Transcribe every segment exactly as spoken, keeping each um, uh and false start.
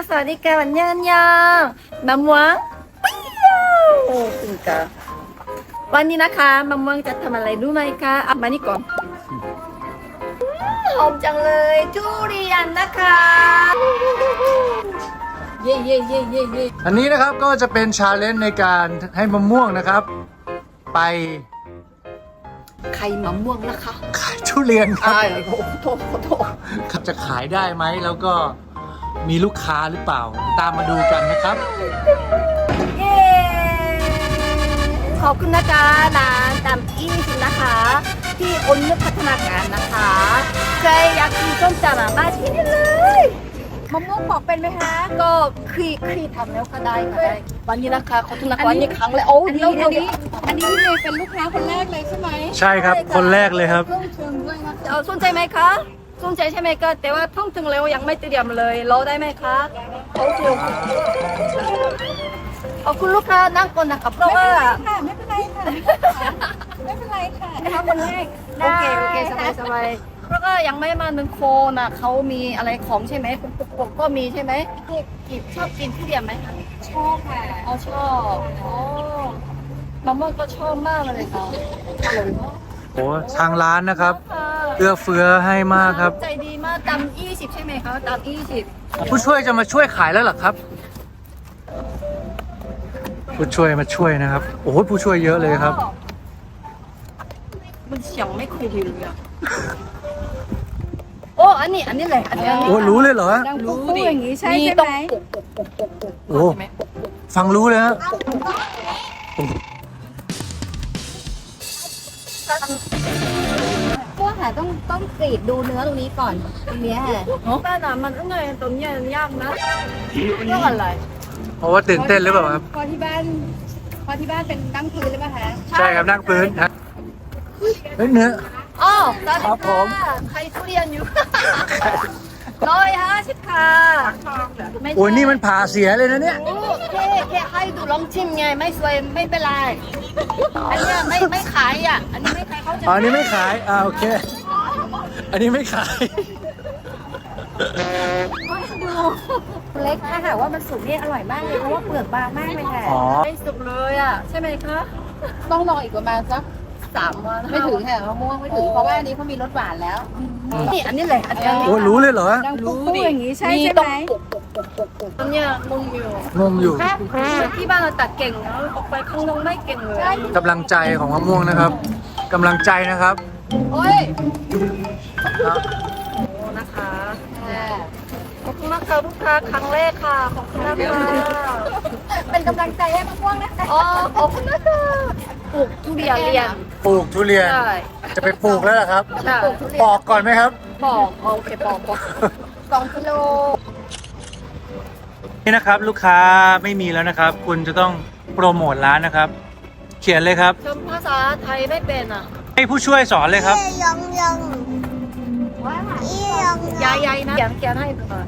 สวัสดีค่ะวันยังยังมะม่วงเปรี้ยวโอ้จริงค่ะวันนี้นะคะมะม่วงจะทำอะไรรู้ไหมคะอ่ะมานี่ก่อนหอมจังเลยทุเรียนนะคะเย่เย่เย่เย่เย่อันนี้นะครับก็จะเป็นชาเลนจ์ในการให้มะม่วงนะครับ ไปไข่มะม่วงนะคะขายทุเรียนครับอ้ายโอ้โหโทษโทษครับจะขายได้ไหมแล้วก็มีลูกค้าหรือเปล่า ตามมาดูกันนะครับเย้ขอบคุณนะคะร้านตำอี้สินะคะ ที่อนนุชพัฒนาการนะคะใครอยากกินส้มตำอ่ะมาที่นี่เลยมะม่วงปอกเป็นไหมคะก็คลีคลีทำแล้วก็ได้ค่ะได้วันนี้นะคะขอบคุณนะคะวันนี้ครั้งเลยโอ้อันดีนี้อันดีนี้อันนี้พี่เมย์เป็นลูกค้าคนแรกเลยใช่ไหมใช่ครับคนแรกเลยครับเครื่องเชิญด้วยนะเอาสนใจไหมคะสนใจใช่ไหมก็แต่ว่าท่องถึงแล้วยังไม่เตรียมเลยรอได้ไหมคะโอเคโอเคเอาคุณลูกค้านั่งก่อนนะคะเพราะว่าค่ะไม่เป็นไรค่ะไม่เป็นไรค่ะนะคะคนแรกโอเคโอเคสบายสบายเพราะก็ยังไม่มาหนึ่งโคนอ่ะเขามีอะไรของใช่ไหมปกปกก็มีใช่ไหมกิบชอบกินทุเรียนไหมคะชอบค่ะอ๋อชอบอ๋อมะม่วงก็ชอบมากเลยค่ะอร่อยมากโอ้ทางร้านนะครับค่ะเอื้อเฟื้อให้มากครับใจดีมากตำยี่สิบใช่ไหมคะตำยี่สิบผู้ช่วยจะมาช่วยขายแล้วเหรอครับ ผู้ช่วยมาช่วยนะครับ โอ้โหผู้ช่วยเยอะเลยครับมันเสียงไม่คุยเลยอ่ะโอ้อันนี้อันนี้เลยอันนี้อันนี้โอ้รู้เลยเหรอดังปุ๊บปุ๊บอย่างนี้ใช่มีใช่ต้องไหมปกปกปกปกปกโอ้ใช่ไหมปกปกฟังรู้เลยฮะพวกค่ะต้องต้องกรีดดูเนื้อตรงนี้ก่อนตรงเนี้ยค่ะแต่น่ะมันต้องไงตรงเนี้ยยากนะเรื่องอะไรเพราะว่าตื่นเต้นหรือเปล่าครับพอที่บ้านพอที่บ้านเป็นนั่งพื้นหรือเปล่าคะใช่ครับนั่งพื้นฮะเฮ้ยเนื้ออ๋อสวัสดีครับผมค่ะใครทุเรียนอยู่ ร้อยห้าสิบค่ะไม่ใช่โอ้ยนี่มันผ่าเสียเลยนะเนี่ยโอ้แค่แค่ให้ดูลองชิมไงไม่สวยไม่เป็นไรอันเนี้ยไม่ไม่ขายอ่ะอันนี้ไม่ขายเขาจะอ๋ออันนี้ไม่ขาย อ่าโอเค อันนี้ไม่ขายเล็กถ้าหากว่ามันสุกเนี่ยอร่อยมากเลยเพราะว่าเปลือกบางมากเลยค่ะอ๋อไม่สุกเลยอ่ะใช่ไหมคะต้องรออีกประมาณสักสามวันไม่ถึงค่ะมะม่วงไม่ถึงเพราะว่าอันนี้เขามีรสหวานแล้วนี่อันนี้เลยอันนี้โอ้ยรู้เลยเหรอดังปุ๊บปุ๊บอย่างนี้ใช่มีใช่ต้องไหมปกปกปกปกปกตอนเนี้ยงงอยู่งงอยู่ที่บ้านเราตัดเก่งนะออกไปข้างนอกไม่เก่งเลยกำลังใจของมะม่วงนะครับกำลังใจนะครับโอ้ยโอ้นะคะขอบคุณมากค่ะลูกค้าครั้งแรกค่ะขอบคุณนะคะเป็นกำลังใจให้มะม่วงนะคะอ๋อขอบคุณนะคะปลูกทุเรียนเรียนปลูกทุเรียนใช่จะไปปลูกแล้วเหรอครับใช่ปอกก่อนไหมครับปอกโอเคปอกปอกสองกิโลนี่นะครับลูกค้าไม่มีแล้วนะครับ คุณจะต้องโปรโมทร้านนะครับ เขียนเลยครับชมภาษาไทยไม่เป็นอ่ะให้ผู้ช่วยสอนเลยครับยายยายนะเขียนเขียนให้ดูหน่อย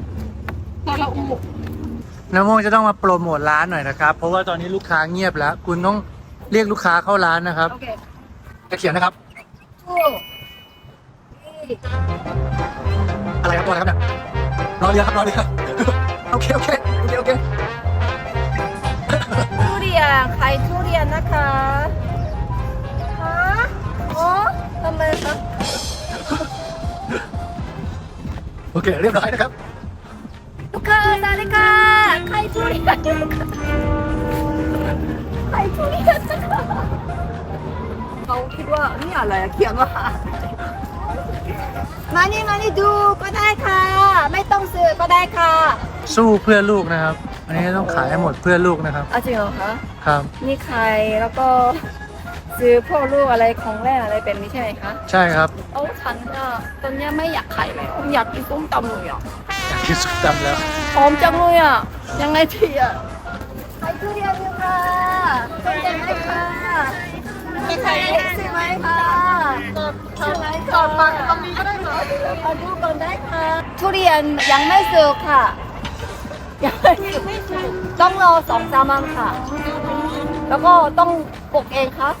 น้ำม่วงจะต้องมาโปรโมทร้านหน่อยนะครับ เพราะว่าตอนนี้ลูกค้าเงียบแล้ว คุณต้องเรียกลูกค้าเข้าร้านนะครับโอเคจะเขียนนะครับทูนี่อะไรครับตัวอะไรครับเนี่ยรอเรือครับรอเรือโอเคโอเคโอเคโอเคทุเรียนขายทุเรียนนะคะฮะโอ้ทำไมคะโอเคเรียบร้อยนะครับลูกค้าสวัสดีค่ะขายทุเรียนขายทุเรียนนะคะเขาคิดว่านี่อะไรอะเขียนว่ามานี่มานี่ดูก็ได้ค่ะ ไม่ต้องซื้อก็ได้ค่ะสู้เพื่อลูกนะครับ อันนี้ต้องขายให้หมดเพื่อลูกนะครับอ่ะจริงเหรอคะครับนี่ใครแล้วก็ซื้อพวกลูกอะไรของแรกอะไรเป็นนี้ใช่ไหมคะใช่ครับโอ้ฉันก็ตอนเนี้ยไม่อยากขายเลยอยากกินส้มตำเลยอ่ะอยากกินสุกตำแล้วหอมจังเลยอ่ะยังไงทีอ่ะขายทุเรียนอยู่ค่ะสนใจไหมคะมีใครซื้อไหมคะซื้อไหมก่อนมาตรงนี้ก็ได้ค่ะมาดูก่อนได้ค่ะทุเรียนยังไม่ซื้อค่ะยังไม่ซื้อต้องรอสองสามวันค่ะ แล้วก็ต้องปลูกเองครับ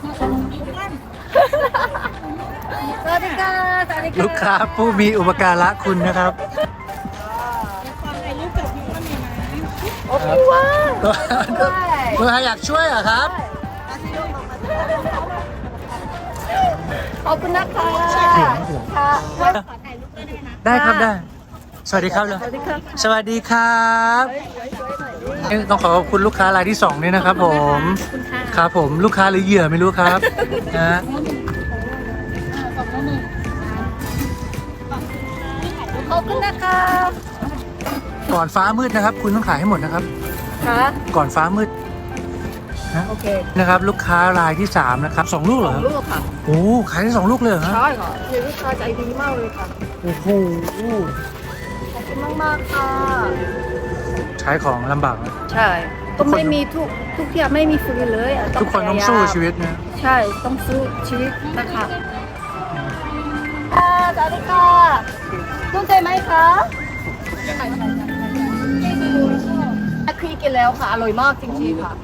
สวัสดีค่ะสวัสดีค่ะลูกค้าผู้มีอุปการะคุณนะครับความในรูปแบบนี้ก็มีนะครับว้าวคุณอาอยากช่วยเหรอครับขอบคุณนะคะค่ะได้ครับได้ สวัสดีครับเลยสวัสดีครับสวัสดีครับต้องขอขอบคุณลูกค้ารายที่สองนี่นะครับผมครับผมลูกค้าหรือเหยื่อไม่รู้ครับนะขอบคุณนะคะก่อนฟ้ามืดนะครับ คุณต้องขายให้หมดนะครับค่ะก่อนฟ้ามืดนะโอเคนะครับ ลูกค้ารายที่สามนะครับสองลูกเหรอลูกค่ะโอ้ขายได้สองลูกเลยเหรอฮะใช่ค่ะเดี๋ยวลูกค้าใจดีมากเลยค่ะโอ้โหขอบคุณมากๆค่ะใช้ของลำบากนะใช่ต้องไม่มีทุกทุกอย่างไม่มีฟรีเลยะทุกคนต้องพยายามสู้ชีวิตนะใช่ต้องสู้ชีวิตนะคะค่ะสวัสดีค่ะสนใจไหมคะคลีกินแล้วค่ะ อร่อยมากจริงๆค่ะ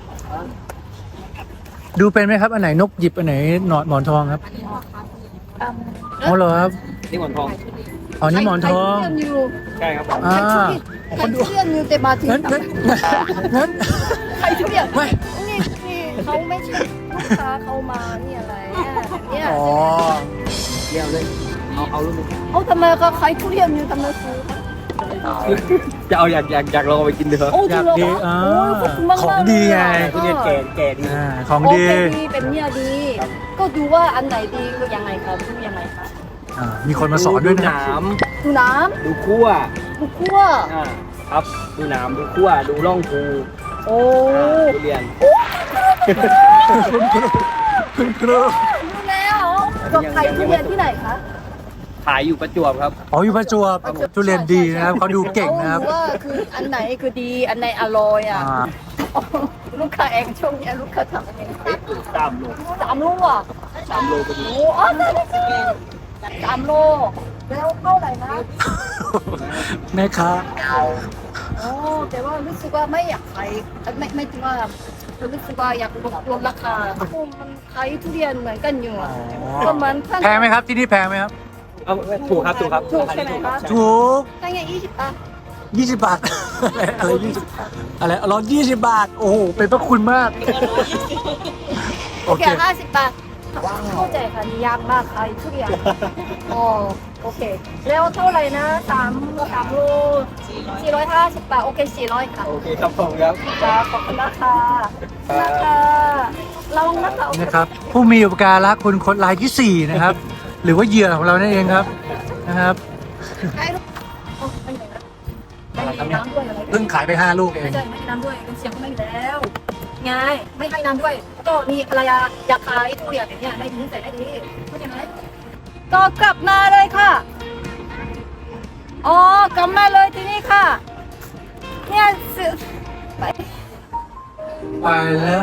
ดูเป็นไหมครับ อันไหนนกหยิบ อันไหนหนอนหมอนทองครับอ๋อเหรอครับนี่หมอนทองอ๋อนี่หมอนทองใครทุเรียนอยู่ใช่ครับผมอ่าใครทุเรียนอยู่แต่มาถึงงั้นงั้นงั้นใครทุเรียนไม่นี่นี่เขาไม่ใช่ลูกค้าเขามานี่อะไรเนี่ยเนี่ยอ๋อเรียวเลย เอาเอาลูกนึงเขาทำไมก็ใครทุเรียนอยู่ทำไมซื้อจะเอาอยากอยากอยากลองเอาไปกินดูเหรอโอ้จอริยาง กเหรอดีคะอ่าโอ้ยขอบคุณมากๆของดีไงเลยอะทุเรียนแก่แก่ดีอ่าของโอดีเคดีเป็นเนี่ยดี ก็ดูว่าอันไหนดีก็ยังไงครับดูยังไงครับอ่ามีคนมาสอนด้วยดูนะหนามดูน้ดูขั้วำดูคั่วอ่าครับ ดูหนาม ดูขั้ว ดูร่องภูโอ้อ่าทุเรียนคุณครูคุณครูดูแล้วก็ใครทุเรียนที่ไหนคะขายอยู่ประจวบครับอ๋ออยู่ประจวบทุเรียนดีนะครับเขาดูเก่งนะครับเขาว่าคืออันไหนคือดีอันไหนอร่อยอ่ะอ่าลูกค้าเองช่วงนี้ลูกค้าทำอะไรตามโลสามโลอ่ะตามโลก็ดีโอ้อ๋อได้ได้ได้สามโลแล้วเท่าไหร่นะแม่ค้าโอ้แต่ว่ารู้สึกว่าไม่อยากขายไม่ไม่ถึงว่ารู้สึกว่าอยากลดลดราคาโอ้มันขายทุเรียนเหมือนกันอยู่อ่ะก็เหมือนแพงไหมครับที่นี่แพงไหมครับเอาถูกครับ ถูกครับถูกใช่ไหมคะถูกได้ไงยี่สิบบาทยี่สิบบาท อะไรอะไรยี่สิบอะไรร้อยยี่สิบบาท โอ้โหเป็นพระคุณมาก โอโอเคเคห้าสิบบาทเข้าใจค่ะนี่ยากมากขายทุเรียนอ๋อโอเคแล้วเท่าไหร่นะสามสามโลสี่ร้อยห้าสิบบาทโอเคสี่ร้อยค่ะโอเคครับผมครับจ้าขอบคุณนะคะขอบคุณนะคะระวังนะคะโอเคนะครับ ผู้มีอุปการะคุณคนรายที่สี่นะครับ หรือว่าเหยื่อของเรานั่นเองครับนะครับใช่ลูกโอ้ไม่ไหนนะไม่ให้น้ำด้วยอะไรด้วยเพิ่งขายไปห้าลูกเอไม่งใช่ไม่ให้น้ำด้วยเสียงก็ไม่มีแล้วไงไม่ให้น้ำด้วย ก็มีภรรยาอยากขายทุเรียนอย่างเงี้ยได้ดีใส่ได้ดีเข้าใจไหมก็กลับมาเลยค่ะอ๋อกลับมาเลยที่นี่ค่ะเนี่ยซื้อไปไปแล้ว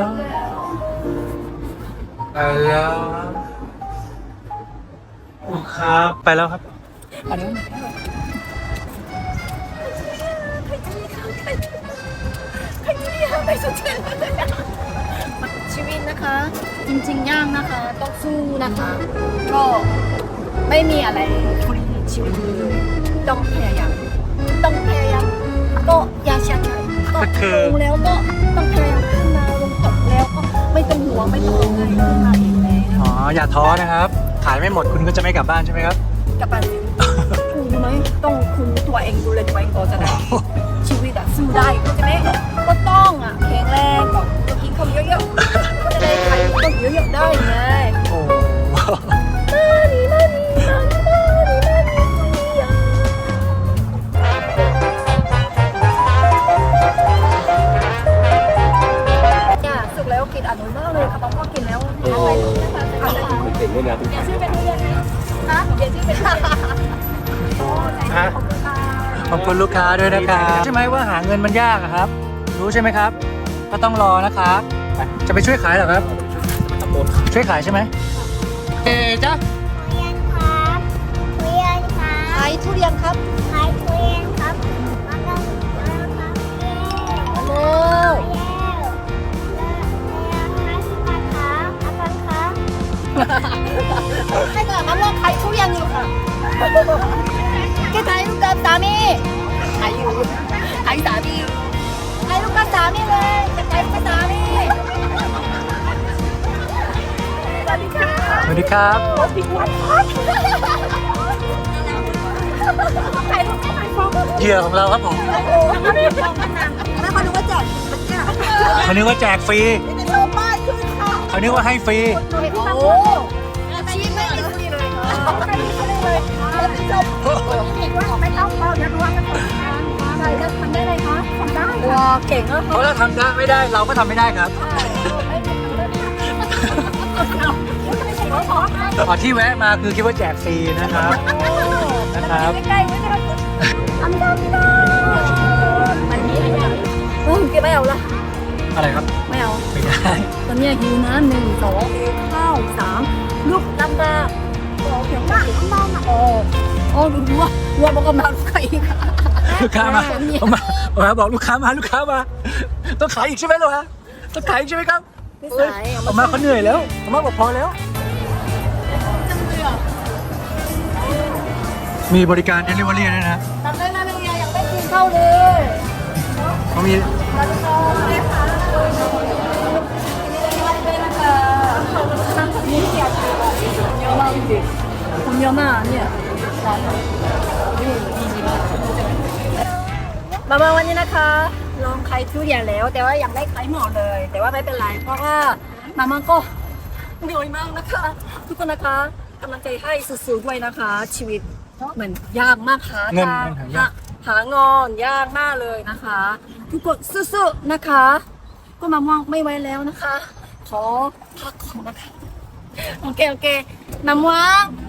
ไปแล้วครับไปแล้วครับอันนี้ชีวิตนะคะ จริงๆยากนะคะ ต้องสู้นะคะ ก็ไม่มีอะไรฟรีชีวิตเลยต้องพยายามต้องพยายามก็อย่าเสียใจก็ลงแล้วก็ต้องพยายามขึ้นมาลงตกแล้วก็ไม่ต้องห่วงไม่ต้องอะไรขึ้นมาเองเลยอ๋ออย่าท้อนะครับ ขายไม่หมดคุณก็จะไม่กลับบ้านใช่ไหมครับกลับบ้านสิคุณรู้ไหมต้องคุณตัวเองดูแลตัวเองก่อนจะได้ชีวิตอะสู้ได้เข้าใจไหมก็ต้องอะแข็งแรงก็กินข้าวเยอะๆก็จะได้ขายต้นเยอะๆได้ไงโอ้มานี่มานี่มานี่มานี่มานี่เนี่ยสุกแล้วกินอร่อยมากเลยค่ะป้าก็กินแล้วอะไรนะคะอะไรมันเก่งด้วยนะทุกเปลี่คยนนชื่อเป็นทุเรียนฮะเปลี่ยนชื่อเป็นโอ้ใจขอบคุณค่ะขอบคุณลูกค้าด้วยนะครับใช่ไหมว่าหาเงินมันยากอะครับ รู้ใช่ไหมครับ ก็ต้องรอนะครับจะไปช่วยขายเหรอครับตะโกนช่วยขายใช่ไหมเอ๊ะจ้ะทุเรียนครับทุเรียนครับขายทุเรียนครับขายทุเรียนครับมาลงมาลงครับเย้เร็วเย้แล้วแล้วห้าสิบบาทครับอาจารย์ครับให้กับมันลองขายทุเรียนอยู่ค่ะแกขายลูกกับสามีขายอยู่ขายสามีอยู่ขายลูกกับสามีเลยจะไปภาษามีสวัสดีค่ะสวัสดีครับโอ้พี่วันพักใครรู้ใครฟ้องเหยื่อของเราครับผมโอ้ไม่ฟ้องมันนานแล้วเขาดูว่าแจกเนี่ยเขานึกว่าแจกฟรีจะโชว์ป้ายขึ้นค่ะเขานึกว่าให้ฟรีโอ้ชีสไม่มีฟรีเลยค่ะไม่มีฟรีเลยแล้วจะจบไม่ต้องเราเดี๋ยวดูว่ามันทำอะไรจะทำได้เลยคะทำได้ว้าเก่งอ่ะเพราะเราทำได้ไม่ได้เราก็ทำไม่ได้ครับอ๋อที่แวะมาคือคิดว่าแจกฟรีนะครับนะครับใกล้ๆไว้นะคะทำได้ไม่ได้มันมีอะไรเออเก็บไม่เอาละอะไรครับไม่เอาไม่ได้ตอนนี้หิวน้ำหนึ่งสองหิวข้าวสามลูกลำบากโอ้เพียงมากมากโอ้โอ้ดูว่าว่าบอกกำลังใครค่ะลูกค้ามาเอามาเอามาบอกลูกค้ามาลูกค้ามาต้องขายอีกใช่ไหมลูกฮะต้องขายอีกใช่ไหมครับพี่สายเอามาเขาเหนื่อยแล้วเอามาบอกพอแล้ว มีบริการเดลิเวอรี่ด้วยนะทำได้นะเลยอยากได้กินข้าวเลยเขามีมาดูค่ะได้ค่ะได้นะคะนี่เกี่ยวกับเยอะมากจริงคนเยอะมากเนี่ยมามาวันนี้นะคะลองไข่ทุเรียนแล้ว แต่ว่ายังไม่ไข่หมดเลย แต่ว่าไม่เป็นไรเพราะว่ามามันก็เหนื่อยมากนะคะ ทุกคนนะคะกำลังใจให้สู้ๆด้วยนะคะ ชีวิตเหมือนยากมากหาเงินทางเงินหายากหางอนยากมากเลยนะคะ ทุกคนสู้ๆนะคะ ก็มามองไม่ไหวแล้วนะคะ ขอพักก่อนนะคะโอเคโอเคมามอง